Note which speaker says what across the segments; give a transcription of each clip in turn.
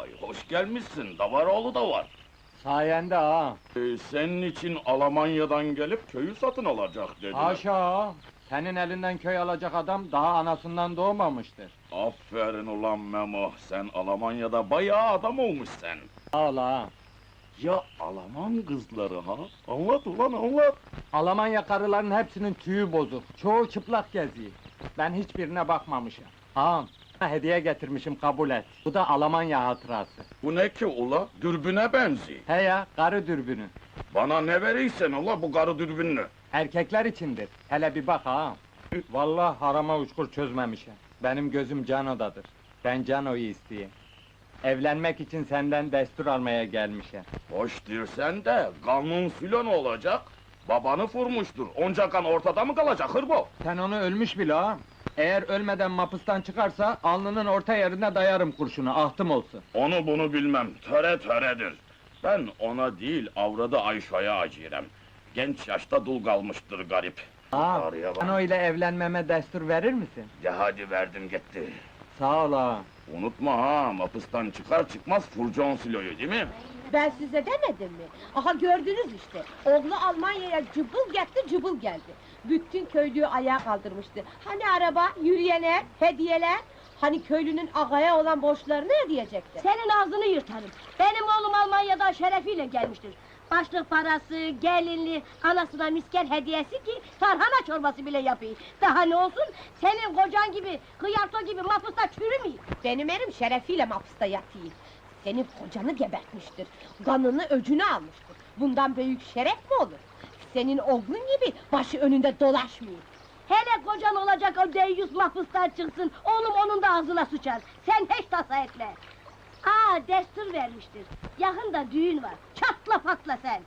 Speaker 1: Vay, hoş gelmişsin, Davaroğlu da var.
Speaker 2: Sayende ha.
Speaker 1: Senin için Almanya'dan gelip köyü satın alacak dediler.
Speaker 2: Haşa ha. Senin elinden köy alacak adam daha anasından doğmamıştır.
Speaker 1: Aferin ulan Memo, sen Almanya'da bayağı adam olmuşsun.
Speaker 2: Sağ ol ha.
Speaker 1: Ya Alman kızları ha? Anlat ulan anlat.
Speaker 2: Almanya karıların hepsinin tüyü bozuk. Çoğu çıplak geziyor. Ben hiçbirine bakmamışım. Ağam, hediye getirmişim kabul et. Bu da Almanya hatırası.
Speaker 1: Bu ne ki ula? Dürbüne benziyor.
Speaker 2: He ya, karı dürbünü.
Speaker 1: Bana ne verirsen ula bu karı dürbünlü.
Speaker 2: Erkekler içindir. Hele bir bak ağam. Vallahi harama uçkur çözmemişim. Benim gözüm Cano'dadır. Ben Cano'yu isteyeyim. Evlenmek için senden destur almaya gelmişim.
Speaker 1: Hoş dirsen de kanun filan olacak. Babanı vurmuştur. Onca kan ortada mı kalacak hırbo?
Speaker 2: Sen onu ölmüş bile ağam. Eğer ölmeden mapıstan çıkarsa, alnının orta yerine dayarım kurşunu, ahtım olsun.
Speaker 1: Onu bunu bilmem. Töre töredir. Ben ona değil avradı Ayşe'ye acırem. Genç yaşta dul kalmıştır garip.
Speaker 2: Ağam,
Speaker 1: Ağrıya bak.
Speaker 2: Cano ile evlenmeme destur verir misin?
Speaker 1: De hadi verdim gitti.
Speaker 2: Sağ ol ağam.
Speaker 1: Unutma ha, mapıstan çıkar çıkmaz furcon siloyu değil mi?
Speaker 3: Ben size demedim mi? Aha gördünüz işte. Oğlu Almanya'ya cıbıl gitti, cıbıl geldi. Bütün köylüyü ayağa kaldırmıştı. Hani araba, yürüyenler, hediyeler? Hani köylünün ağaya olan borçlarını ödeyecekti?
Speaker 4: Senin ağzını yırtarım. Benim oğlum Almanya'dan şerefiyle gelmiştir. Başlık parası, gelinli, anasına misker hediyesi ki tarhana çorbası bile yapayım. Daha ne olsun, senin kocan gibi, hıyarto gibi mapusta çürümeyeyim.
Speaker 3: Benim erim şerefiyle mahpusta yatıyor. Senin kocanı gebertmiştir. Kanını öcünü almıştır. Bundan büyük şeref mi olur? Senin oğlun gibi başı önünde dolaşmıyor.
Speaker 4: Hele kocan olacak o deyyus mahpustan çıksın, oğlum onun da ağzına sıçar. Sen hiç tasa etme. Destur vermiştir. Yakında düğün var. Çatla patla sen.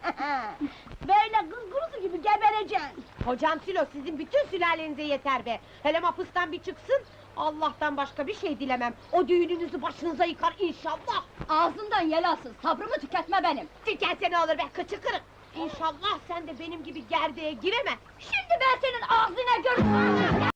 Speaker 4: Böyle kız kurusu gibi gebereceksin.
Speaker 3: Hocam Silo, sizin bütün sülalenize yeter be! Hele mahpustan bir çıksın, Allah'tan başka bir şey dilemem. O düğününüzü başınıza yıkar inşallah!
Speaker 4: Ağzından yel alsın, sabrımı tüketme benim.
Speaker 3: Tükense ne olur be, kıçı kırık! İnşallah sen de benim gibi gerdeğe giremez!
Speaker 4: Şimdi ben senin ağzına görürüm.